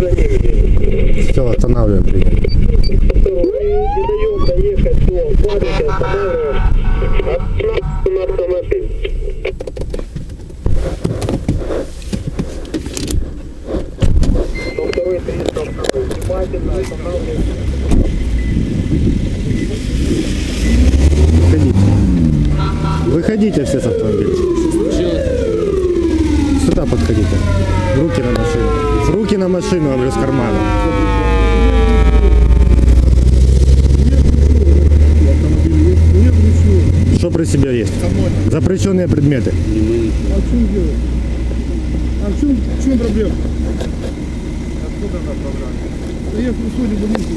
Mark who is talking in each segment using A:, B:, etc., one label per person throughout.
A: Все, останавливаем прием.
B: Не даем доехать до фабрики, останавливаем. Останавливаем автомобиль. Второй 302. Внимательно останавливаем.
A: Выходите все с автомобиля. Сюда подходите. Руки на машину. Руки на машину, говорю, с кармана. Что при себе есть? Запрещенные предметы.
C: А в чем дело? А в чем проблема? Откуда она проблема? Да я в Хрусоне больницу.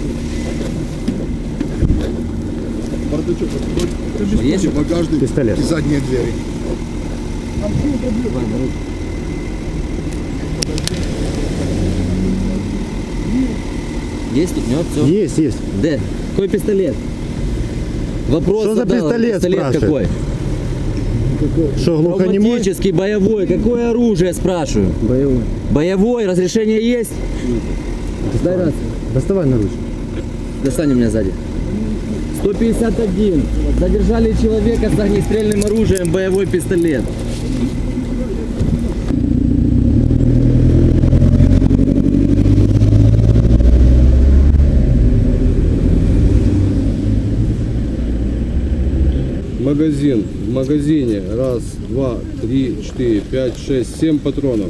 C: Бардачок открой.
D: Есть
C: багажник
A: Пистолет.
C: и задние двери. А в чем проблема?
D: Есть тут, нет, все.
A: Есть, есть.
D: Д. Какой пистолет? Вопрос
A: Что за
D: задал.
A: пистолет, спрашивает?
D: какой?
A: Что, глухонемой?
D: Травматический, боевой. Какое оружие, спрашиваю?
A: Боевой.
D: Боевой, разрешение есть? Дай рацию.
A: Доставай наручник.
D: Достань у меня сзади. 151. Задержали человека с огнестрельным оружием, боевой пистолет.
E: Магазин. В магазине 1, 2, 3, 4, 5, 6, 7 патронов.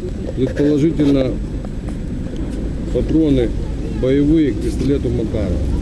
E: Предположительно патроны боевые к пистолету Макарова.